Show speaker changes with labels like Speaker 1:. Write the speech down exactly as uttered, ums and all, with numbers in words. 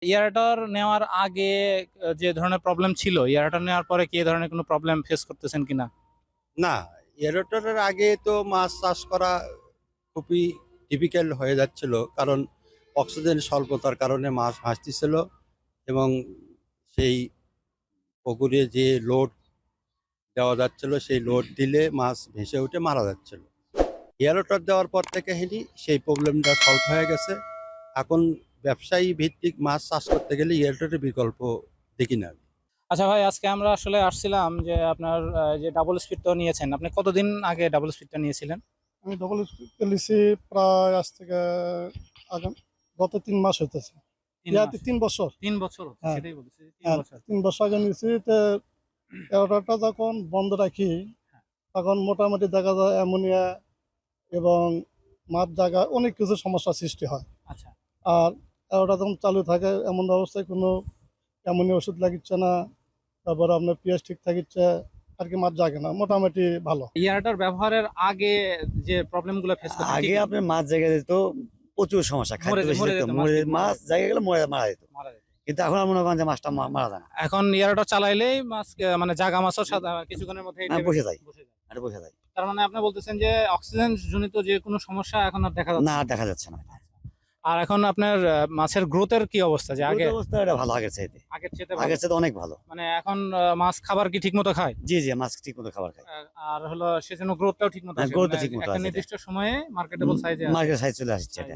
Speaker 1: Aerator নেওয়ার আগে আহ, যে ধরনের প্রবলেম ছিল, এয়ারটর নেওয়ার পরে কি এ ধরনের কোনো প্রবলেম ফেস করতেছেন কিনা?
Speaker 2: না, এরোটরের আগে তো মাছ চাষ করা খুবই ডিফিকাল্ট হয়ে যাচ্ছিল, কারণ অক্সিজেন স্বল্পতার কারণে মাছ ভাসতেছিল এবং সেই পুকুরে যে লোড দেওয়া যাচ্ছিল সেই লোড দিলে মাছ ভেসে উঠে মারা যাচ্ছিল। এয়ারোটর দেওয়ার পর থেকে হেলি সেই প্রবলেমটা সলভ হয়ে গেছে। এখন ব্যবসায়ী ভিত্তিক মাছ চাষ করতে গেলে এয়ারোটরের বিকল্প দেখি না আমি।
Speaker 1: আচ্ছা ভাই, আজকে আমরা আসলে আসছিলাম যে আপনার আহ, যে ডাবল স্পিডটা নিয়েছেন, আপনি কতদিন আগে ডাবল স্পিডটা নিয়েছিলেন?
Speaker 3: আমি ডবল লিসি প্রায় আজ থেকে আগাম গত তিন মাস হইতেছে।
Speaker 1: তিন
Speaker 3: ইয়াতে
Speaker 1: মাস
Speaker 3: তিন বছর।
Speaker 1: তিন বছর হচ্ছে,
Speaker 3: হ্যাঁ।
Speaker 1: সেটাই বলছি, তিন
Speaker 3: হ্যাঁ,
Speaker 1: বছর।
Speaker 3: তিন বছর আগে নিয়েছি। তো এগারোটা যখন বন্ধ রাখি
Speaker 1: হ্যাঁ।
Speaker 3: তখন মোটামুটি দেখা যায় অ্যামোনিয়া এবং মাছ জায়গা অনেক কিছু সমস্যার সৃষ্টি হয়।
Speaker 1: আচ্ছা।
Speaker 3: আর এগারোটা যখন চালু থাকে এমন অবস্থায় কোনো অ্যামোনিয়া ওষুধ লাগিচ্ছে না, তারপর আপনার পিএইচ ঠিক থাকিচ্ছে, আর কি মাছ জাগে না, মোটামুটি ভালো।
Speaker 1: এয়ারটর ব্যবহারের আগে যে প্রবলেমগুলো ফেস করতেন,
Speaker 4: আগে আপনার মাছ জায়গা যেত প্রচুর সমস্যা, খাদ্য
Speaker 1: মরে-
Speaker 4: বেশি
Speaker 1: মরে
Speaker 4: যেত,
Speaker 1: যেত, মাছ
Speaker 4: মরে
Speaker 1: ঠিক মরে
Speaker 4: মাছ
Speaker 1: যেত।
Speaker 4: জায়গা গেলে মরে মারা যেত।
Speaker 1: মারা যেত।
Speaker 4: কিন্তু এখন আর মনে করেন যে মাছটা মা- মারা যায় না,
Speaker 1: এখন এয়ারটর চালাইলেই মাছ আহ, মানে জাগা মাছও সাদা- কিছুক্ষণের মধ্যে
Speaker 4: হ্যাঁ, বসে যায়।
Speaker 1: বসে যায়।
Speaker 4: এটা বোঝা যায়
Speaker 1: তার মানে আপনি বলতেছেন যে অক্সিজেন জনিত যে কোনো সমস্যা এখন আর দেখা যাচ্ছে
Speaker 4: না,
Speaker 1: না।
Speaker 4: আর দেখা যাচ্ছে না।
Speaker 1: আর এখন আপনার আহ, মাছের গ্রোথের কি অবস্থা, যে আগে
Speaker 4: গ্রোথ অবস্থা এটা ভালো, আগের চাইতে
Speaker 1: আগের চেয়ে ভালো?
Speaker 4: আগের চাইতে অনেক ভালো।
Speaker 1: মানে এখন আহ, মাছ খাবার কি ঠিক মতো খায়?
Speaker 4: জি জি, মাছ ঠিক মতো খাবার খায়,
Speaker 1: আহ, আর হলো সেজন্য গ্রোথটাও ঠিক মতো
Speaker 4: হ্যাঁ,
Speaker 1: আসে,
Speaker 4: growth টা
Speaker 1: মানে
Speaker 4: ঠিক মতো
Speaker 1: একটা
Speaker 4: আসে।
Speaker 1: নির্দিষ্ট সময়ে মার্কেটেবল সাইজে
Speaker 4: মার্কেট সাইজ চলে আসছে এটা।